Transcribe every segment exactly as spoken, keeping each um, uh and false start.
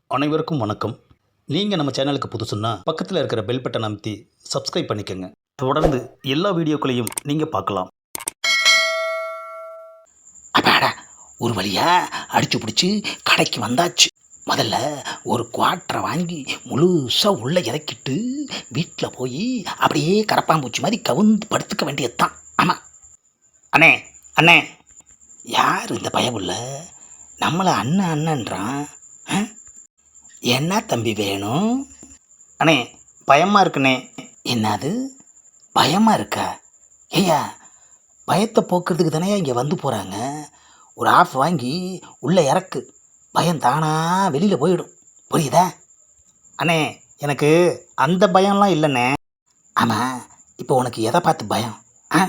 அனைவருக்கும் வணக்கம். நீங்கள் நம்ம சேனலுக்கு புதுசுன்னா பக்கத்தில் இருக்கிற பெல் பட்டனை அமைத்தி சப்ஸ்கிரைப் பண்ணிக்கோங்க. தொடர்ந்து எல்லா வீடியோக்களையும் நீங்கள் பார்க்கலாம். அப்பாடா, ஒரு வழியா அடிச்சு பிடிச்சி கடைக்கு வந்தாச்சு. முதல்ல ஒரு குவாட்டரை வாங்கி முழுசாக உள்ளே இறக்கிட்டு வீட்டில் போய் அப்படியே கரப்பாம்பூச்சி மாதிரி கவுந்து படுத்துக்க வேண்டியது தான். ஆமாம் அண்ணே அண்ணே, யார் இந்த பயமுள்ள நம்மளை அண்ணன் அண்ணன்றான்? ஆ? என்ன தம்பி வேணும்? அண்ணே, பயமாக இருக்குண்ணே. என்னது பயமாக இருக்கா? ஐயா, பயத்தை போக்குறதுக்கு தானே இங்கே வந்து போகிறாங்க. ஒரு ஆஃப் வாங்கி உள்ளே இறக்கு, பயம் தானா வெளியில் போயிடும். புரியுதா? அண்ணே, எனக்கு அந்த பயம்லாம் இல்லைண்ணே. ஆமாம், இப்போ உனக்கு எதை பார்த்து பயம்? ஆ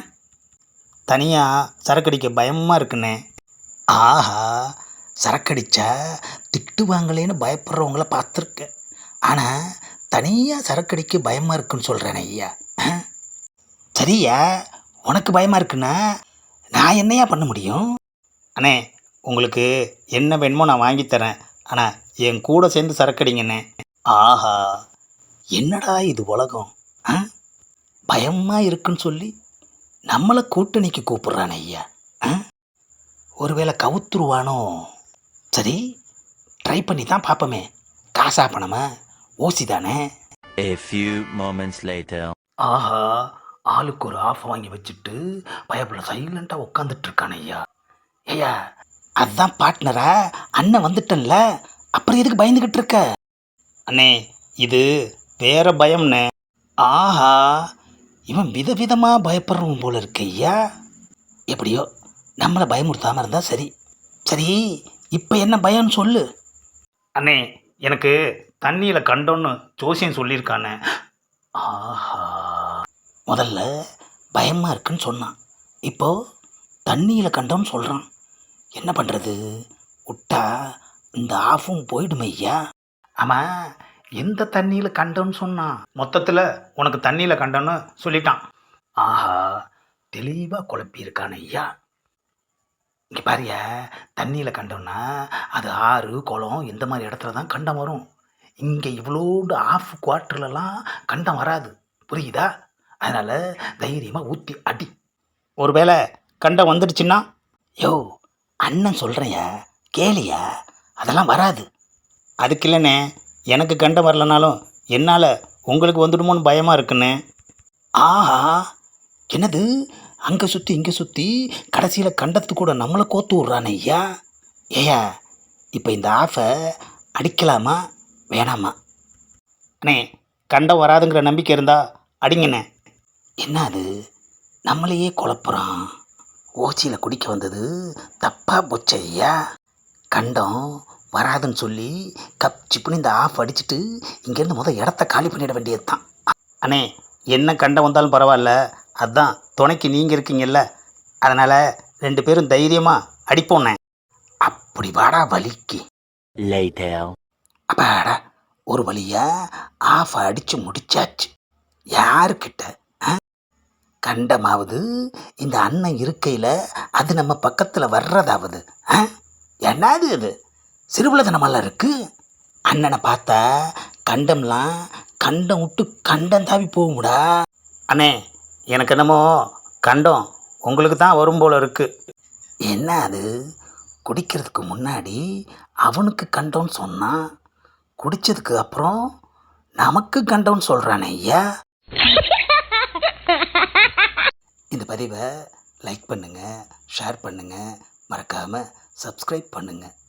தனியாக சரக்கடிக்க பயமாக இருக்குண்ணே. ஆஹா, சரக்கடிச்சா திட்டுவாங்களேன்னு பயப்படுறவங்கள பார்த்துருக்கேன். ஆனால் தனியாக சரக்கடிக்க பயமாக இருக்குன்னு சொல்கிறேன் ஐயா. ஆ? சரியா, உனக்கு பயமாக இருக்குன்னா நான் என்னையா பண்ண முடியும்? அண்ணே, உங்களுக்கு என்ன வேணுமோ நான் வாங்கித்தரேன். ஆனால் என் கூட சேர்ந்து சரக்கடிங்கண்ணே. ஆஹா, என்னடா இது உலகம்! ஆ பயமாக இருக்குன்னு சொல்லி நம்மளை கூட்டணிக்கு கூப்பிட்றான் ஐயா. ஆ ஒருவேளை கவுத்துருவானோ? சரி, ட்ரை பண்ணி தான் பார்ப்போமே. காசா பணமா ஓசி தானே. A few moments later. ஆஹா, ஆளுக்கு ஒரு ஆஃப் வாங்கி வச்சுட்டு பயப்புல சைலண்டாக உட்காந்துட்டு இருக்கான் ஐயா. ஐயா, அதுதான் பார்ட்னரா? அண்ணன் வந்துட்டன்ல, அப்புறம் எதுக்கு பயந்துக்கிட்டு இருக்க? அண்ணே, இது வேற பயம்ண்ணே. ஆஹா, இவன் விதவிதமாக பயப்படுறவன் போல இருக்கு ஐயா. எப்படியோ நம்மளை பயமுறுத்தாமல் இருந்தால் சரி. சரி, இப்போ என்ன பயம்னு சொல்லு. அண்ணே, எனக்கு தண்ணியில் கண்டோன்னு ஜோசியம் சொல்லியிருக்கானே. ஆஹா, முதல்ல பயமாக இருக்குன்னு சொன்னான், இப்போ தண்ணியில் கண்டோன்னு சொல்கிறான். என்ன பண்ணுறது? விட்டா இந்த ஆஃபும் போயிடுமே ஐயா. ஆமாம், எந்த தண்ணியில் கண்டோன்னு சொன்னான்? மொத்தத்தில் உனக்கு தண்ணியில் கண்டோன்னு சொல்லிட்டான். ஆஹா, தெளிவாக குழப்பியிருக்கான் ஐயா. இங்கே பாரியா, தண்ணியில் கண்டோம்னா அது ஆறு குளம் இந்த மாதிரி இடத்துல தான் கண்டம் வரும். இங்கே இவ்வளோண்டு ஆஃப் குவார்ட்டர்லலாம் கண்டம் வராது. புரியுதா? அதனால் தைரியமாக ஊற்றி அடி. ஒருவேளை கண்டம் வந்துடுச்சுன்னா? யோ, அண்ணன் சொல்கிறேயா, கேளியா, அதெல்லாம் வராது. அதுக்கு இல்லைண்ணே, எனக்கு கண்டம் வரலனாலும் என்னால் உங்களுக்கு வந்துடுமோன்னு பயமாக இருக்குண்ணே. ஆஹா, என்னது அங்கே சுற்றி இங்கே சுற்றி கடைசியில் கண்டத்து கூட நம்மளை கோத்து விட்றானே ஐயா. ஏயா, இப்போ இந்த ஆஃபை அடிக்கலாமா வேணாமா? அண்ணே, கண்டம் வராதுங்கிற நம்பிக்கை இருந்தால் அடிங்கண்ணே. என்ன அது, நம்மளையே குழப்புறான். ஓச்சியில் குடிக்க வந்தது தப்பாக போச்சு ஐயா. கண்டம் வராதுன்னு சொல்லி கப் சிப்புன்னு இந்த ஆஃப் அடிச்சுட்டு இங்கேருந்து முதல் இடத்த காலி பண்ணிட வேண்டியது தான். அண்ணே, என்ன கண்டம் வந்தாலும் பரவாயில்ல, அதுதான் துணைக்கு நீங்கள் இருக்கீங்கல்ல, அதனால் ரெண்டு பேரும் தைரியமாக அடிப்போண்ணே. அப்படி வாடா வலிக்கு. Later. அப்பாடா, ஒரு வழியா ஆஃப் அடித்து முடிச்சாச்சு. யாருக்கிட்ட? ஆ? கண்டமாவது இந்த அண்ணன் இருக்கையில் அது நம்ம பக்கத்தில் வர்றதாவது? ஆ என்னது இது சிறுபுலதனமெல்லாம் இருக்குது. அண்ணனை பார்த்தா கண்டம்லாம் கண்டம் விட்டு கண்டம் தாவி போகும்டா. அண்ணே, எனக்கு என்னமோ கண்டம் உங்களுக்கு தான் வரும் போல இருக்குது. என்ன அது, குடிக்கிறதுக்கு முன்னாடி அவனுக்கு கண்டம்னு சொன்னான், குடித்ததுக்கு அப்புறம் நமக்கு கண்டம்னு சொல்கிறானே ஐயா. இந்த பதிவை லைக் பண்ணுங்கள், ஷேர் பண்ணுங்கள், மறக்காமல் சப்ஸ்கிரைப் பண்ணுங்கள்.